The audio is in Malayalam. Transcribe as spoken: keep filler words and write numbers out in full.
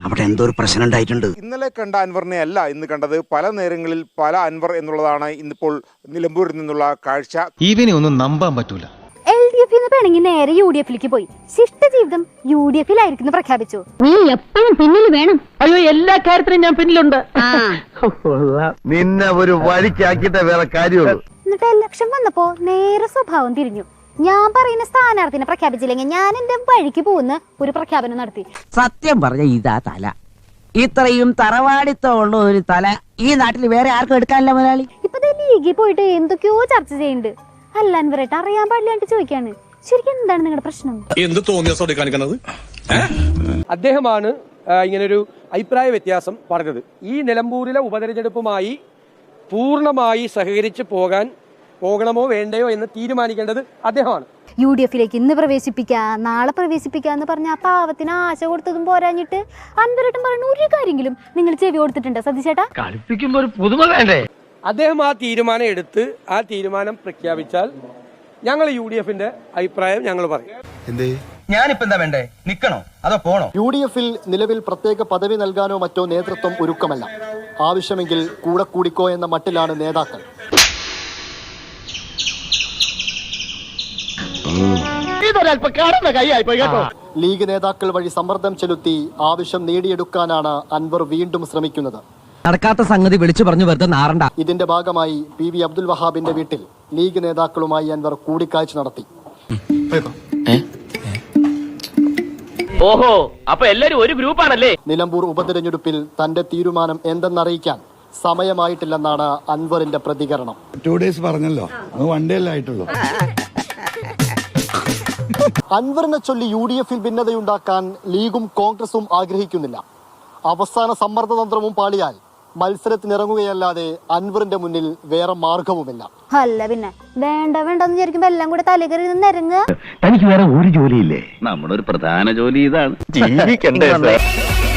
അവിടെ എന്തോ ഒരു പ്രശ്നം ഉണ്ടായിട്ടുണ്ട്. ഇന്നലെ കണ്ട അൻവറിനെ അല്ല ഇന്ന് കണ്ടത്. പല നേരങ്ങളിൽ പല അൻവർ എന്നുള്ളതാണ് ഇന്നിപ്പോൾ നിലമ്പൂരിൽ നിന്നുള്ള കാഴ്ച. ഇവനെ ഒന്നും നമ്പാൻ പറ്റൂല. എൽ ഡി എഫിൽ നിന്ന് പിണങ്ങി നേരെ യു ഡി എഫിലേക്ക് പോയി. ശിഷ്ട ജീവിതം യു ഡി എഫിലായിരിക്കും പ്രഖ്യാപിച്ചു. നീ എപ്പോഴും പിന്നിൽ വേണം. അയ്യോ, എല്ലാ കാര്യത്തിലും ഞാൻ പിന്നിലുണ്ട്. നിന്നെ ഒരു വഴിക്കാക്കിട്ടേ വേറെ കാര്യമുള്ളൂ. എന്നിട്ട് ഇലക്ഷൻ വന്നപ്പോ നേരെ സ്വഭാവം തിരിഞ്ഞു. ഞാൻ പറയുന്ന സ്ഥാനാർത്ഥിനെ പ്രഖ്യാപിച്ചില്ലെങ്കിൽ ഞാൻ എന്റെ വഴിക്ക് പോകുന്ന ഒരു പ്രഖ്യാപനം നടത്തി. സത്യം പറഞ്ഞ ഇതാ തല. ഇത്രയും തറവാടിത്തമുള്ള ഒരു തല ഈ നാട്ടിൽ വേറെ ആർക്കും എടുക്കാനില്ല മുതലാളി. ഇപ്പൊ ലീഗിൽ പോയിട്ട് എന്തൊക്കെയോ ചർച്ച ചെയ്യുന്നുണ്ട്. അല്ല അൻവറേട്ട് അറിയാൻ പാടില്ലാണ്ട് ചോദിക്കാണ്, ശരിക്കും എന്താണ് നിങ്ങളുടെ പ്രശ്നം? എന്ത് തോന്നിയ കാണിക്കുന്നത്? അദ്ദേഹമാണ് ഇങ്ങനൊരു അഭിപ്രായ വ്യത്യാസം പറഞ്ഞത്. ഈ നിലമ്പൂരിലെ ഉപതെരഞ്ഞെടുപ്പുമായി പൂർണ്ണമായി സഹകരിച്ച് പോകാൻ പോകണമോ വേണ്ടയോ എന്ന് തീരുമാനിക്കേണ്ടത് അദ്ദേഹമാണ്. യു ഡി എഫിലേക്ക് ഇന്ന് പ്രവേശിപ്പിക്കുക, നാളെ പ്രവേശിപ്പിക്കുക എന്ന് പറഞ്ഞ ആ പാവത്തിന് ആശ കൊടുത്തതും പോരാഞ്ഞിട്ട് അൻവരേട്ടൻ പറയുന്ന ഒരു കാര്യമെങ്കിലും നിങ്ങൾ ചെവി കൊടുത്തിട്ടുണ്ട് സതീശേട്ടാ? കളിപ്പിക്കുമ്പോ ഒരു പുതുമ വേണ്ടേ? അദ്ദേഹം ആ തീരുമാനം എടുത്ത് ആ തീരുമാനം പ്രഖ്യാപിച്ചാൽ ഞങ്ങൾ യു ഡി എഫിന്റെ അഭിപ്രായം ഞങ്ങൾ പറയും. ഞാനിപ്പോ എന്താ വേണ്ടേ? നിക്കണോ അതോ പോണോ? യു ഡി എഫിൽ നിലവിൽ പ്രത്യേക പദവി നൽകാനോ മറ്റോ നേതൃത്വം ഒരുക്കമല്ല. ആവശ്യമെങ്കിൽ കൂടെ കൂടിക്കോ എന്ന മട്ടിലാണ് നേതാക്കൾ. ലീഗ് നേതാക്കൾ വഴി സമ്മർദ്ദം ചെലുത്തി ആവശ്യം നേടിയെടുക്കാനാണ് അൻവർ വീണ്ടും ശ്രമിക്കുന്നത്. നടക്കാത്ത സംഗതി വിളിച്ചു പറഞ്ഞു വെറുതെ നാറണ്ട. ഇതിന്റെ ഭാഗമായി പി വി അബ്ദുൽ വഹാബിന്റെ വീട്ടിൽ ലീഗ് നേതാക്കളുമായി അൻവർ കൂടിക്കാഴ്ച നടത്തി. ഓഹോ, അപ്പൊ എല്ലാരും ഒരു ഗ്രൂപ്പാണല്ലേ? നിലമ്പൂർ ഉപതെരഞ്ഞെടുപ്പിൽ തന്റെ തീരുമാനം എന്തെന്നറിയിക്കാൻ സമയമായിട്ടില്ലെന്നാണ് അൻവറിന്റെ പ്രതികരണം. ടു ഡേയ്സ് പറഞ്ഞല്ലോ, വൺ ഡേ അല്ലേ ആയിട്ടുള്ളൂ. അൻവറിനെ ചൊല്ലി യു ഡി എഫിൽ ഭിന്നതയുണ്ടാക്കാൻ ലീഗും കോൺഗ്രസും ആഗ്രഹിക്കുന്നില്ല. അവസാന സമ്മർദ്ദതന്ത്രവും പാളിയാൽ മത്സരത്തിനിറങ്ങുകയല്ലാതെ അൻവറിന്റെ മുന്നിൽ വേറെ മാർഗവുമില്ല. അല്ല പിന്നെ വേണ്ട വേണ്ടെന്ന് വിചാരിക്കുമ്പോ എല്ലാം കൂടെ തലകറി നിന്നിറങ്ങുക. തനിക്ക് വേറെ ഒരു ജോലിയില്ലേ? നമ്മുടെ ഒരു പ്രധാന ജോലി ഇതാണ്, ജീവിക്കണ്ടേ.